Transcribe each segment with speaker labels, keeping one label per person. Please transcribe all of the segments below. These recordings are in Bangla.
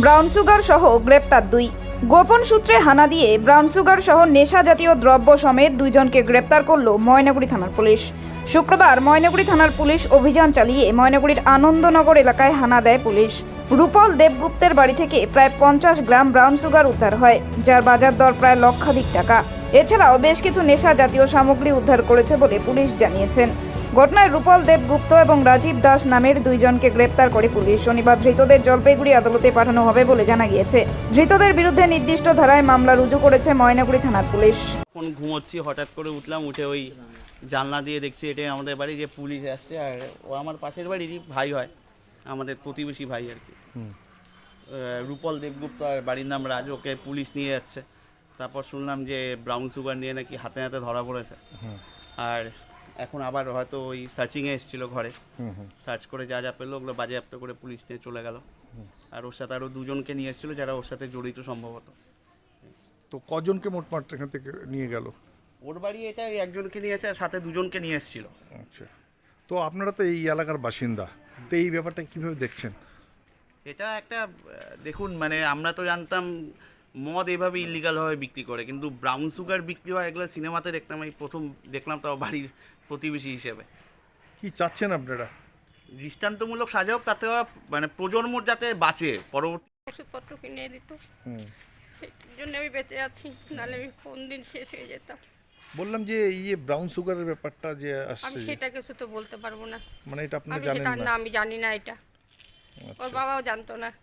Speaker 1: ব্রাউন সুগার সহ গ্রেপ্তার 2। গোপন সূত্রে হানা দিয়ে ব্রাউন সুগার সহ নেশা জাতীয় দ্রব্য সমেত 2 জনকে গ্রেপ্তার করল ময়নাগুড়ি থানার পুলিশ। শুক্রবার ময়নাগুড়ি থানার পুলিশ অভিযান চালিয়ে ময়নাগুড়ির আনন্দনগর এলাকায় হানা দেয় পুলিশ। রূপল দেবগুপ্তের বাড়ি থেকে প্রায় 50 গ্রাম ব্রাউন সুগার উদ্ধার হয়, যার বাজার দর প্রায় লক্ষাধিক টাকা। এছাড়াও বেশ কিছু নেশা জাতীয় সামগ্রী উদ্ধার করেছে বলে পুলিশ জানিয়েছেন। ঘটনায় রূপল দেবগুপ্ত এবং রাজীব দাস নামের 2 জনকে গ্রেপ্তার করে পুলিশ। শনিবার ধৃতদের জলপাইগুড়ি আদালতে পাঠানো হবে বলে জানা গিয়েছে। ধৃতদের বিরুদ্ধে নির্দিষ্ট ধারায় মামলা রুজু করেছে ময়নাগুড়ি থানার পুলিশ।
Speaker 2: এখন ঘুমোচ্ছি, হঠাৎ করে উঠলাম, উঠে ওই জানলা দিয়ে দেখছি এটাই আমাদের বাড়ি, যে পুলিশ আসছে। আর ও আমার পাশের বাড়িরই ভাই হয়, আমাদের প্রতিবেশী ভাই আর কি। রূপল দেবগুপ্ত, আর বাড়ির নাম রাজ। ওকে পুলিশ নিয়ে যাচ্ছে। তারপর শুনলাম যে ব্রাউন সুগার নিয়ে নাকি হাতে হাতে ধরা পড়েছে। আর এখন আবার হয়তো ওই সার্চিংয়ে এসেছিলো ঘরে, সার্চ করে যা যা পেলো ওগুলো বাজেয়াপ্ত করে পুলিশ নিয়ে চলে গেল। আর ওর সাথে আরও 2 জনকে নিয়ে এসেছিলো যারা ওর সাথে জড়িত সম্ভবত।
Speaker 3: তো কজনকে মোটমাট এখান থেকে নিয়ে গেল?
Speaker 2: ওর বাড়ি এটা, 1 জনকে নিয়ে এসে আর সাথে 2 জনকে নিয়ে এসেছিলো।
Speaker 3: আচ্ছা, তো আপনারা তো এই এলাকার বাসিন্দা, তো এই ব্যাপারটা কীভাবে দেখছেন?
Speaker 2: এটা একটা দেখুন, মানে আমরা তো জানতাম মদ এভাবে ইলিগালভাবে বিক্রি করে, কিন্তু ব্রাউন সুগার বিক্রি হয় এগুলো সিনেমাতে দেখতাম, এই প্রথম দেখলাম, তাও বাড়ির প্রতিবেশী হিসেবে।
Speaker 3: কি চাচ্ছেন আপনারা?
Speaker 2: দৃষ্টান্তমূলক সাজা হোক, তাতে মানে প্রজন্ম যাতে বাঁচে, পরবর্তী
Speaker 4: ওষুধপত্র কিনে দিত, সেই জন্য আমি বেঁচে আছি, নাহলে আমি কোন দিন শেষ হয়ে যেতাম।
Speaker 3: বললাম যে ব্রাউন সুগারের ব্যাপারটা যে আসছে,
Speaker 4: আমি সেটা কিছু তো বলতে পারবো না,
Speaker 3: মানে এটা আপনারা
Speaker 4: আমি
Speaker 3: জানেন
Speaker 4: সেটা
Speaker 3: না?
Speaker 4: না, আমি জানি না এটা। ওর বাবাও জানতো না।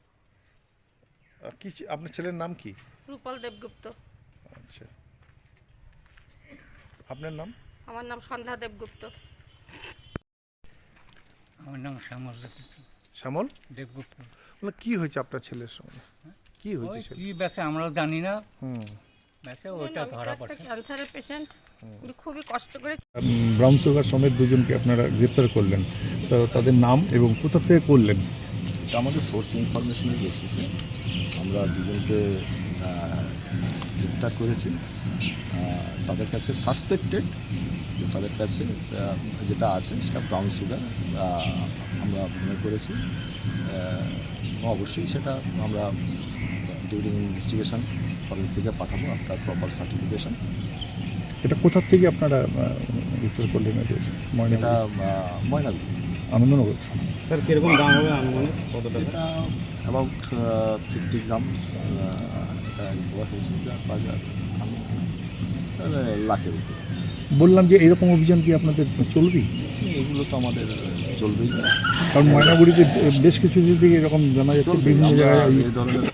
Speaker 3: কি আপনার ছেলের নাম কি?
Speaker 4: রূপল দেবগুপ্ত।
Speaker 3: আচ্ছা, আপনার নাম?
Speaker 4: আমার নাম সন্ধ্যা দেবগুপ্ত।
Speaker 5: আমার নাম শ্যামল দেবগুপ্ত।
Speaker 3: শ্যামল
Speaker 5: দেবগুপ্ত।
Speaker 3: বলে কি হয়েছে আপনার ছেলের সঙ্গে? কি হয়েছে
Speaker 5: ওই
Speaker 3: সেটা?
Speaker 5: কি ব্যাসে আমরাও জানি না,
Speaker 3: হুম,
Speaker 5: ব্যাসে ওইটা
Speaker 4: আমি তো
Speaker 5: ধরা
Speaker 4: একটা
Speaker 5: পড়ছে।
Speaker 4: ক্যান্সারের পেশেন্ট, আমি খুবই কষ্ট করে।
Speaker 3: ব্রাউন সুগার সমেত 2 জনকে আপনারা গ্রেপ্তার করলেন, তো তাদের নাম এবং কোথা থেকে করলেন?
Speaker 6: এটা আমাদের সোর্স ইনফরমেশনের বেসিসে আমরা 2 জনকে গ্রেপ্তার করেছি। তাদের কাছে সাসপেক্টেড, তাদের কাছে যেটা আছে সেটা ব্রাউন সুগার আমরা মনে করেছি। অবশ্যই সেটা আমরা ডিউরিং ইনভেস্টিগেশন ফরেন্সিকে পাঠাবো আফটার প্রপার সার্টিফিকেশন।
Speaker 3: এটা কোথা থেকে আপনারা গ্রেপ্তার করলেন? এটা
Speaker 6: ময়নাগুড়ি
Speaker 3: আনন্দনগর।
Speaker 6: স্যার, কীরকম দাম হবে আনুমানিক? কত টাকা? এটা অ্যাবাউট 50 গ্রামস। এটা বলা হয়েছে বাজার লাখের উপরে।
Speaker 3: বললাম যে এরকম অভিযান কি আপনাদের চলবেই?
Speaker 6: এগুলো তো আমাদের চলবেই,
Speaker 3: কারণ ময়নাগুড়িতে বেশ কিছু দিকে এরকম জানা যাচ্ছে বিভিন্ন জায়গায়
Speaker 6: এই ধরনের